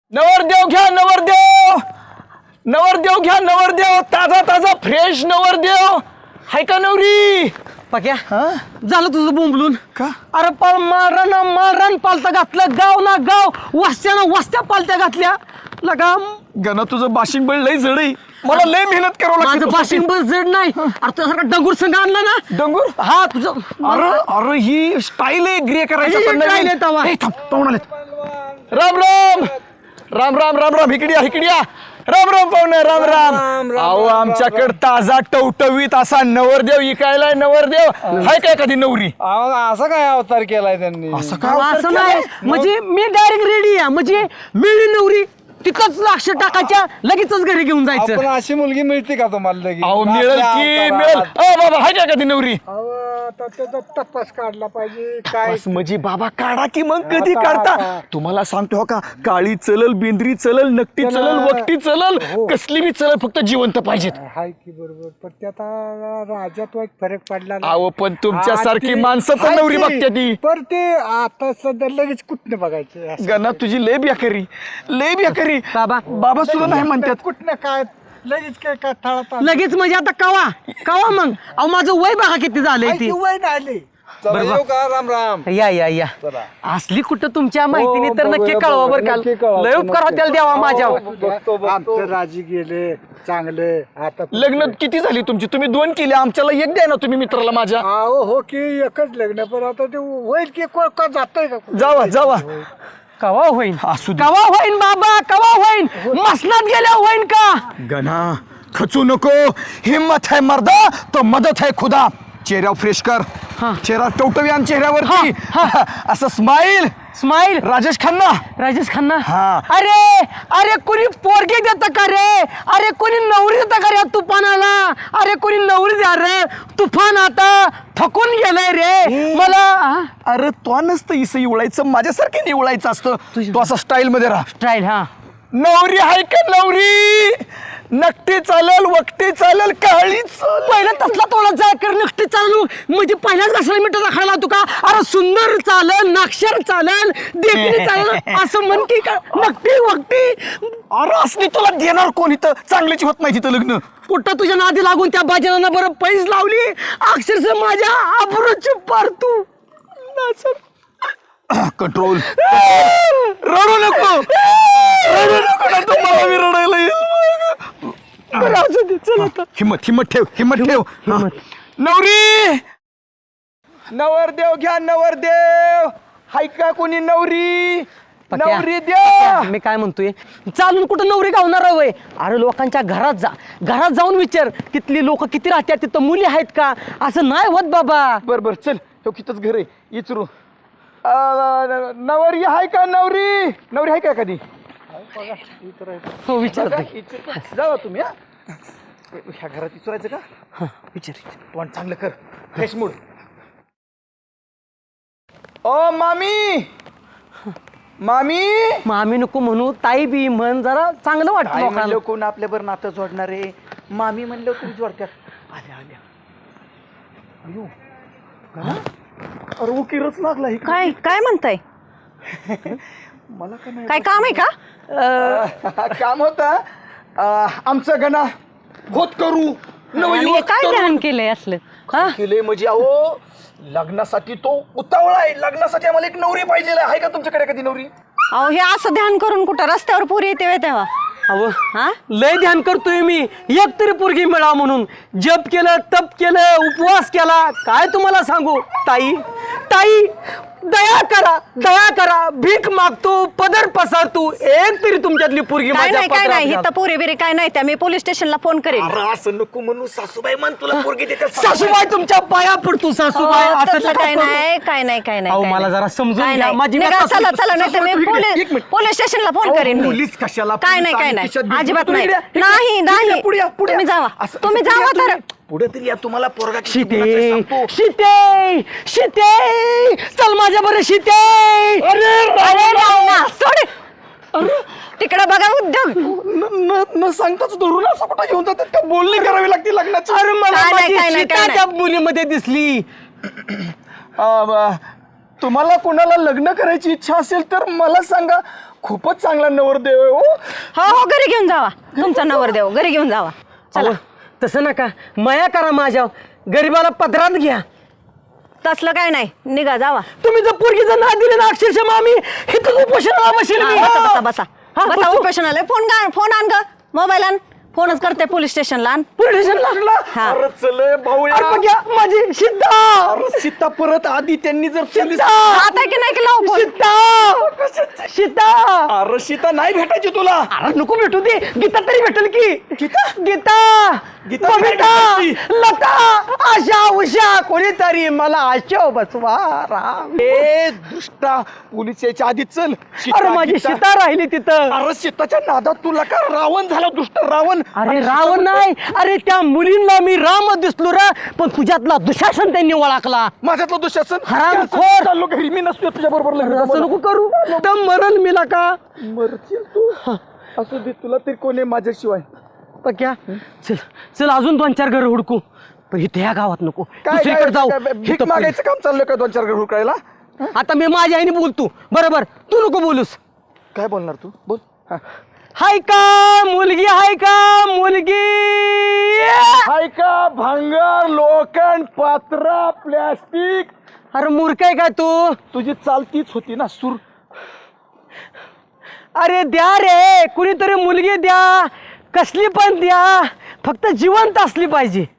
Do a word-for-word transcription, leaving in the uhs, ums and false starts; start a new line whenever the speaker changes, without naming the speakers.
नवरदेव घ्या नवरदेव नवरदेव घ्या नवरदेव ताजा ताजा फ्रेश नवरदेव हाय का नवरी
पक्या झालं तुझं बोंबलून
का?
अरे पाल मारण मारण पालता घातलं गाव ना गाव वस्त्यानं वस्त्या पालत्या घातल्या लगा
गणा तुझं बाशिंग बळ लय जड आहे मला लय मेहनत करावं
माझं
लागतं
बाशिंग बस जड नाही अरे तुझ्यासारखा डंगूर संघ आणला ना
डंगूर
हा तुझं
अरे अरे ही स्टाईल आहे ग्रे
ही
करायची
style आहे तवा.
पाहुण आलेत राम राम राम राम राम राम इकडे या इकडे या राम राम पाहुणे राम राम अहो आमच्याकडे ताजा टवटवीत असा नवरदेव इकायलाय नवरदेव हाय काय कधी नवरी
असा काय अवतार केलाय त्यांनी
असं काय
असं नाही म्हणजे मी डायरेक्ट रेडी आहे म्हणजे मिळली नवरी तिथंच लक्ष टाकायच्या लगेचच घरी घेऊन
आपण
जायचं
अशी मुलगी मिळते का तुम्हाला लगेच?
अहो मिळेल
आपल्या
की
अवतारात.
मिळेल अ बाबा हाय काय कधी नवरी
अहो, आता त्याचा तपास काढला पाहिजे काय
बस म्हणजे बाबा काढा की मग कधी
आता,
काढता
आता.
तुम्हाला सांगतो हो का काळी चलल बेंद्री चलल नकटी
त्याला-
चलल वकटी चलल
हो.
कसली बी चलल फक्त जिवंत पाहिजेत
हाय की बरोबर पण ते आता राज्यात वाईट फरक पडला ना.
अहो पण तुमच्यासारखी
हा, ते-
माणसं तर
हाय
नवरी
की.
बघते ती
पर ते आता सध्या लगेच कुठनं बघायचं असं.
गणा तुझी लय बेकारी लय बेकारी
बाबा
बाबा सुद्धा नाही म्हणतात
कुठनं काय लगेच काय काय थळात
लगेच म्हणजे आता कवा कवा मग अहो माझं वय बघा किती झालंय ती
वय आले का राम राम
या या या असली कुठं तुमच्या माहितीने तर
बघूया,
नक्की कळवा बरं काल
नक्की कळवा.
लय उपकार होत्याल देवा माझ्यावर
बघतो, बघतो. आमचं राजी गेले चांगले आता
लग्न किती झाली तुमची तुम्ही दोन केले आमच्याला एक द्या ना तुम्ही मित्राला माझ्या
अहो हो की एकच लग्न पण आता ते होईल की को- का जातंय का कुठं?
जावा जावा
कवा होईन
असू दे.
कवा होईन बाबा कवा होईन मसनात गेल्या होईन का
गणा खचू नको हिम्मत है मर्दा तो मदत है खुदा चेहरा फ्रेश कर
हा.
चेहरा टवटवी चेहऱ्यावरती असं स्माईल
स्माईल
राजेश खन्ना
राजेश खन्ना
हा.
अरे अरे कोणी पोरगे देतं का रे अरे कोणी नवरी देतं का रे तुफानाला अरे कोणी नवरी द्या रे तुफान आता थकून गेलाय रे मला हा?
अरे तो नसतं इसं इवळायचं माझ्यासारखं निवळायचं असतं तू असं स्टाईल मध्ये राहा
स्टाईल हा
नवरी आहे का नवरी नकटी चालल वकटी चालल काळी चालल
पहिला तसला तोडा जाय कर नक्की चालू म्हणजे पहिल्याच घासाला मिठाचा खायला तू का अरे सुंदर चालल नाक्षर चालल देखणी चालल असं म्हण की का नक्की वक्ती
अरे असली तुला देणार कोण इथं चांगल्याची होत नाही तिथं लग्न
कुठं तुझ्या नादी लागून त्या बाजनानं बरं पैस लावली अक्षरशः माझ्या आबरूची पार तू
कंट्रोल रडू नको रडू नको ना तुम्हाला मी रडायला येईल
बरं, असू दे, चल आता.
हिम्मत हिम्मत ठेव हिम्मत ठेव हा. नवरी नवरदेव घ्या नवरदेव हाय का कोणी नवरी
पक्या,
नवरी द्या
पक्या, मी काय म्हणतोय चालून कुठं नवरी गावणार आहे वय अरे लोकांच्या घरात जा घरात जाऊन विचार तिथली लोक किती राहतात तिथं मुली आहेत का असं नाही होत बाबा
बर बर चल तो कितच घर आहे इचरू अं, नवरी हाय का नवरी नवरी हाय का कधी
हो विचार
जावा तुम्ही हा ह्या घरात विचारायचं का
विचार
तोंड चांगलं कर फ्रेश मूड ओ मामी मामी
मग आम्ही नको म्हणू ताई बी म्हण जरा चांगलं वाटतं
आई म्हणलं
लोकांना
कोण आपल्यावर नातं जोडणारे मामी म्हणलं तुम्ही जोडत्यात आल्या आल्या अयो गणा? अरे उकीरच लागला ही
काय काय म्हणताय
मला का नाही
काय काम आहे का
अं, काम होता आमचं गणा होत करू
आणि
नवयुवक
हे काय
तरुण.
ध्यान केलंय असलं हा
केले म्हणजे अहो लग्नासाठी तो उतावळा आहे लग्नासाठी आम्हाला एक नवरी पाहिजे आहे का तुमच्याकडे कधी नवरी
अहो हे असं ध्यान करून कुठं रस्त्यावर पोरी येते व्हय तेव्हा
अहो
हा
लय ध्यान करतोय मी एक तरी पोरगी मिळा म्हणून जप केलं तप केलं उपवास केला काय तुम्हाला सांगू ताई ताई दया करा दया करा भीक मागतो पदर पसरतो एक तरी तुमच्यातली पोरगी
काय
माझ्या
नाही काय
पदरात
नाही
घाल.
इथं पोरी बिरी काय नाही त्या मी पोलीस स्टेशनला फोन करेन
अरे असं नको म्हणू सासूबाई म्हण तुला पोरगी देते
सासूबाई तुमच्या पाया पडतो सासूबाई
अहो,
असं
तसलं
नका
काय
करू.
नाही काय नाही काय नाही
अहो,
काय
मला
नाही.
जरा समजून
काय
घ्या.
नाही.
माझी
निघा,
सासू-
चला चला नाही तर मी
सासू-
पोलीस
एक मिनिट.
पोलीस स्टेशनला फोन
अहो,
करेन मी.
पोलीस कशाला?
काय
पोलीस
नाही काय
आणि
नाही
खिशात बिस्किट
अजिबात
तुम्ही
नाही
इकडे- इकडे-
नाही
इकडे
नाही
पुढे या, पुढे या.
तुम्ही जावा
असं-
तुम्ही
असं
जावा
पुढे या,
तर
तुम्ही. पुढे तरी या तुम्हाला पोरगा किती
शीते
गुणाचा आहे सांगतो.
शीते शीते चल माझ्या बरं शीते
अरे राव ना, सोड तिकडे बघा उद्योग
न- न- न सांगताच धरून असं कुठं घेऊन जातात का बोलणी करावी लागते लग्नाची
अरे मला
काय नाही,
माझी
काय नाही,
सीता
काय
त्या मुलीमध्ये दिसली
अं, ब- तुम्हाला कोणाला लग्न करायची इच्छा असेल तर मला सांगा खूपच चांगला नवरदेव आहे हो.
हो हो घरी घेऊन जावा तुमचा नवरदेव घरी घेऊन जावा चला
अहो, तसं नका माया करा माझ्या गरीबाला पदरात घ्या.
तसलं काय नाही निघा जावा
तुम्ही जर पोरगीचं नाव दिलं ना अक्षरशः मामी इथं उपोषणाला बसेल मी.
हा, बसा बसा बसा
हा,
बसा
बसू.
उपोषण आलंय फोन का फोन आण ग मोबाईल आण फोनच करते पोलीस स्टेशनला आण
पोलीस स्टेशन लागला.
हा
अरे चल भाऊ
अरे बघ्या माझी सीता
अरे सीता परत आधी त्यांनी जर पोलीस
सीता
आता की नाही की लावू फोन
सीता सीता
अरे सीता नाही भेटायची तुला.
अरे नको भेटू दे गीता तरी भेटेल की गीता गीता
गीता
बबिता
काय
लता आशा उषा कोणीतरी मला आशा बसवा राम.
ए दुष्टा पोलीस यायच्या आधी चल. सीता,
अरे माझी
गीता.
सीता राहिली तिथं.
अरे सीताच्या नादात तुला का रावण झाला दुष्ट रावण.
अरे रावण नाही अरे त्या मुलींना मी राम दिसलो रा पण तुझ्यातला दुशासन त्यांनी ओळखला.
माझ्यातलं दुःशासन
हरामखोर.
चाललो घरी मी नसतो तुझ्या बरोबर
असं नको करू तर मरण मिला का
मरशील तू. असू दे तुला तरी कोणी माझ्याशिवाय.
पक्या चल चल अजून दोन चार घर हुडकू पण इथे या गावात नको दुसरीकडे जाऊ
भीक
इथं
मागायचं काम चाललं का दोन चार घर हुडकायला.
पहिले. आता मी माझ्या आईने बोलतो बरोबर तू नको बोलूस.
काय बोलणार तू बोल. हा.
हाय का मुलगी हाय का मुलगी
हाय का भांगर लोखंड पात्रा प्लॅस्टिक.
अरे मूर्ख आहे काय तू.
तुझी चालतीच होती ना सूर.
अरे द्या रे कुणीतरी मुलगी द्या कसली पण द्या फक्त जिवंत असली पाहिजे.